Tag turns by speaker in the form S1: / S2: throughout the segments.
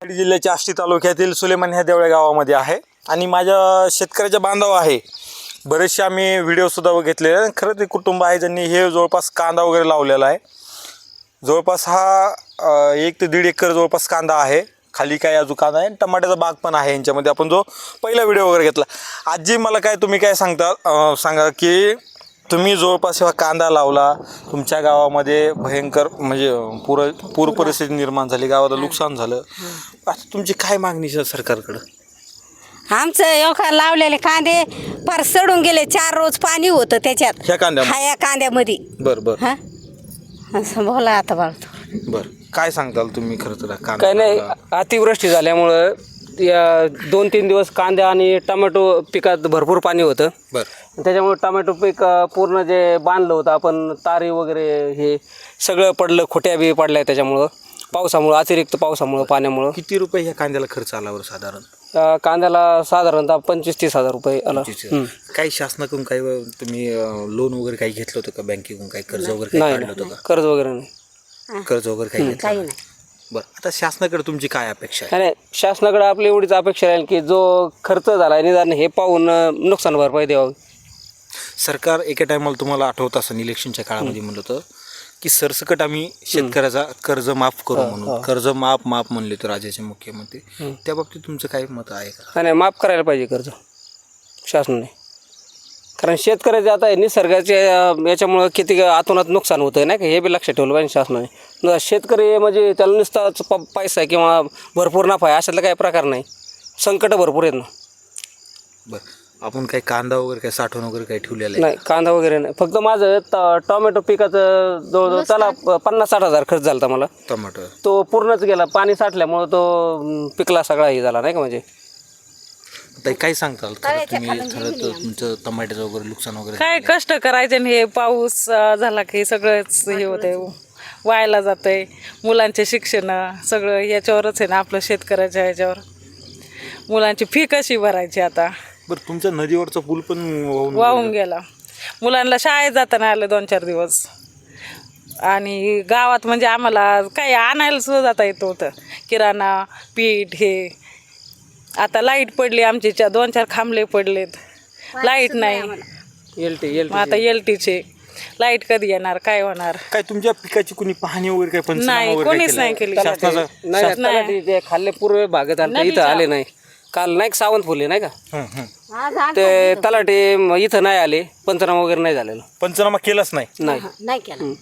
S1: बीड जिल्ह्याच्या आष्टी तालुक्यातील सुलेमान ह्या देवळ्या गावामध्ये आहे आणि माझ्या शेतकऱ्याच्या बांधव आहे. बरेचसे आम्ही व्हिडिओसुद्धा घेतलेले आहे. खरं ते कुटुंब आहे ज्यांनी हे जवळपास कांदा वगैरे लावलेला आहे. जवळपास हा 1 ते 1.5 एकर जवळपास कांदा आहे. खाली काय अजून कांदा आहे, टमाट्याचा बाग पण आहे यांच्यामध्ये. आपण जो पहिला व्हिडिओ वगैरे घेतला. आजी मला काय तुम्ही काय सांगा की तुम्ही जवळपास हा कांदा लावला, तुमच्या गावामध्ये भयंकर म्हणजे पूर परिस्थिती निर्माण झाली, गावाला नुकसान झालं. आता तुमची काय मागणी आहे सरकारकडं?
S2: आमचं एवढा लावलेले कांदे फार सडून गेले. 4 रोज पाणी होतं त्याच्यात,
S1: ह्या कांद्यामध्ये?
S2: ह्या कांद्यामध्ये.
S1: बरं
S2: हा असं बोला आता बाळतो.
S1: बरं, काय सांगताल तुम्ही? खरं तर कांदा
S3: काय नाही, अतिवृष्टी झाल्यामुळं या 2-3 दिवस कांदा आणि टोमॅटो पिकात भरपूर पाणी होतं.
S1: बरं,
S3: त्याच्यामुळे टोमॅटो पीक पूर्ण जे बांधलं होतं आपण, तारी वगैरे हे सगळं पडलं, खोट्या बी पडल्या त्याच्यामुळं, पावसामुळं, अतिरिक्त पावसामुळं, पाण्यामुळं.
S1: किती रुपये ह्या कांद्याला खर्च आला बरं साधारण?
S3: कांद्याला साधारणतः 25-30 हजार रुपये आला.
S1: काही शासनाकडून काही तुम्ही लोन वगैरे काही घेतलं होतं का? बँकेकडून काही कर्ज वगैरे काही काढलं होतं
S3: नाही,
S1: का?
S3: कर्ज वगैरे नाही.
S1: कर्ज वगैरे काही घेतलं नाही. बरं, आता शासनाकडे तुमची काय अपेक्षा आहे?
S3: नाही, शासनाकडे आपली एवढीच अपेक्षा राहील की जो खर्च झाला आहे निदान हे पाहून नुकसान भरपाई द्यावं.
S1: सरकार एका टायमाला तुम्हाला आठवत असं इलेक्शनच्या काळामध्ये म्हणलं होतं की सरसकट आम्ही शेतकऱ्याचा कर्ज माफ करू म्हणून. कर्ज माफ म्हणले तर राज्याचे मुख्यमंत्री. त्या बाबतीत तुमचं काय मत आहे का?
S3: नाही, माफ करायला पाहिजे कर्ज शासनाने. कारण शेतकऱ्याचे आता निसर्गाच्या याच्यामुळं किती आतोनात नुकसान होतं नाही का, हे बी लक्षात ठेवलं पाहिजे शासनाने. शेतकरी म्हणजे त्याला नुसताच पैसा किंवा भरपूर नफा आहे अशातला काही प्रकार नाही. संकट भरपूर आहेत ना.
S1: बरं, आपण काही कांदा वगैरे काही साठवण वगैरे काही ठेवलेलं आहे?
S3: नाही, कांदा वगैरे नाही. फक्त माझं टोमॅटो पिकाचं जवळजवळ त्याला 50-60 हजार खर्च झाला मला.
S1: टोमॅटो
S3: तो पूर्णच गेला, पाणी साठल्यामुळं तो पिकला सगळा हे झाला नाही का. म्हणजे
S1: ताई काय सांगताल? तुम्ही तुमचं टमाट्याचं वगैरे नुकसान वगैरे
S4: काय कष्ट करायचे आणि हे पाऊस झाला की सगळंच हे होतंय, वायाला जातंय. मुलांचे शिक्षण सगळं याच्यावरच आहे ना, आपलं शेतकऱ्याच्या ह्याच्यावर. मुलांची फी कशी भरायची आता?
S1: बरं, तुमच्या नदीवरचा पूल पण
S4: वाहून गेला. मुलांना शाळेत जाताना आलं 2-4 दिवस. आणि गावात म्हणजे आम्हाला काही आणायला सुद्धा जाता येत होतं, किराणा, पीठ हे. आता लाईट पडली, आमचे 2-4 खांबले पडलेत, लाईट नाही. मग आता LTचे लाईट कधी येणार, काय होणार?
S1: काय तुमच्या पिकाची कुणी पाहणी वगैरे काय पंचनामा
S4: नाही,
S1: वगैरे
S4: कोणीच नाही केली.
S3: नाही, ते खाल्ले पूर्व भागात आले, इथं आले नाही. काल नाही सावंत फुले नाही का, ते तलाठी इथं नाही आले, पंचनामा वगैरे नाही झालेलं.
S1: पंचनामा केलाच नाही?
S2: नाही केलं.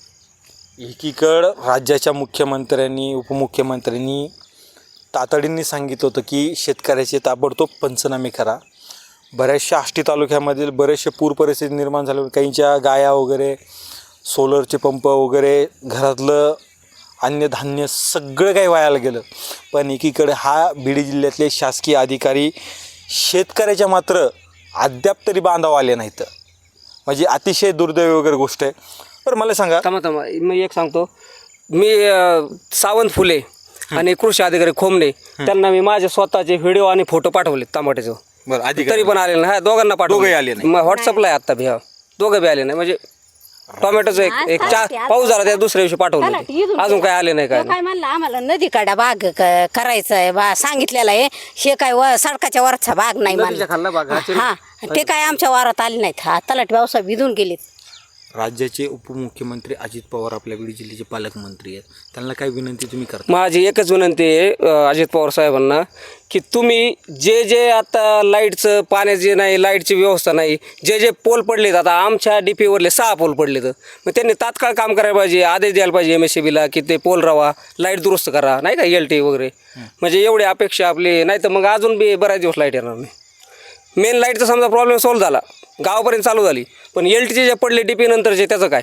S1: एकीकडं राज्याच्या मुख्यमंत्र्यांनी, उपमुख्यमंत्र्यांनी तातडीने सांगितलं होतं की शेतकऱ्याचे ताबडतोब पंचनामे करा. बऱ्याचशा आष्टी तालुक्यामधील बरेचसे पूर परिस्थिती निर्माण झाले. काहींच्या गाया वगैरे, सोलरचे पंप वगैरे, घरातलं अन्नधान्य सगळं काही वायाला गेलं. पण एकीकडे हा बीड जिल्ह्यातले शासकीय अधिकारी शेतकऱ्याच्या मात्र अद्याप तरी बांधाव आले नाहीत. म्हणजे अतिशय दुर्दैवी वगैरे गोष्ट आहे. बरं, मला सांगा.
S3: थांबा मी एक सांगतो. मी सावंत फुले आणि कृषी अधिकारी खोमणे त्यांना मी माझे स्वतःचे व्हिडिओ आणि फोटो पाठवले टमाट्याचे.
S1: बरं, अधिकारी
S3: तरी पण आले नाही. हा, दोघांना पाठवले.
S1: दोघंही आले नाही?
S3: व्हॉट्सअपला आहे आत्ता बी. हा, दोघं बी आले नाही. म्हणजे टोमॅटोचं एक 4 पाऊस झाला त्या दुसऱ्या दिवशी पाठवलं, अजून काय आले नाही.
S2: काय म्हणलं आम्हाला नदीकडा बाग करायचा आहे, सांगितलेलं आहे. हे काय सडकाच्या वरचा बाग नाही म्हणलं.
S3: खाल्ला बाग
S2: हा, ते काय आमच्या वारात आले नाहीत. हा, तलाठी व्यवसाय भिजून गेलेत.
S1: राज्याचे उपमुख्यमंत्री अजित पवार आपल्या बीड जिल्ह्याचे पालकमंत्री आहेत. त्यांना काय विनंती तुम्ही करता?
S3: माझी एकच विनंती आहे अजित पवार साहेबांना की तुम्ही जे आता लाईटचं, पाण्याची नाही, लाईटची व्यवस्था नाही, जे पोल पडलेत, आता आमच्या DPवरले 6 पोल पडलेत. मग त्यांनी तात्काळ काम करायला पाहिजे, आदेश द्यायला पाहिजे MSCBला की ते पोल राहा, लाईट दुरुस्त करा नाही का, LT वगैरे. म्हणजे एवढी अपेक्षा आपली. नाही तर मग अजून बी बऱ्याच दिवस लाईट येणार नाही. मेन लाईटचा समजा प्रॉब्लेम सॉल्व्ह झाला, गावापर्यंत चालू झाली, पण LTचे जे पडले DP नंतरचे त्याचं काय?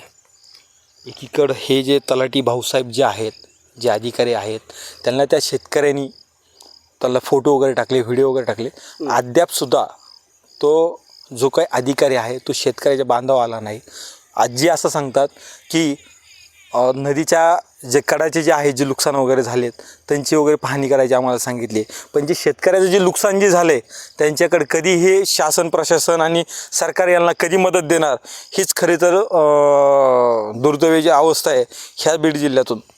S1: एकीकडं हे जे तलाठी भाऊसाहेब जे आहेत, जे अधिकारी आहेत, त्यांना त्या शेतकऱ्यांनी त्याला फोटो वगैरे टाकले, व्हिडिओ वगैरे टाकले. अद्यापसुद्धा तो जो काही अधिकारी आहे तो शेतकऱ्याच्या बांधावा आला नाही. आजी असं सांगतात की नदीच्या जे कडाचे जे आहे, जे नुकसान वगैरे झालेत त्यांची वगैरे पाहणी करायची आम्हाला सांगितली. पण जे शेतकऱ्याचं जे नुकसान जे झाले त्यांच्याकडे कधी हे शासन, प्रशासन आणि सरकार यांना कधी मदत देणार, हीच खरी तर दुर्दैवी जी अवस्था आहे ह्या बीड जिल्ह्यातून.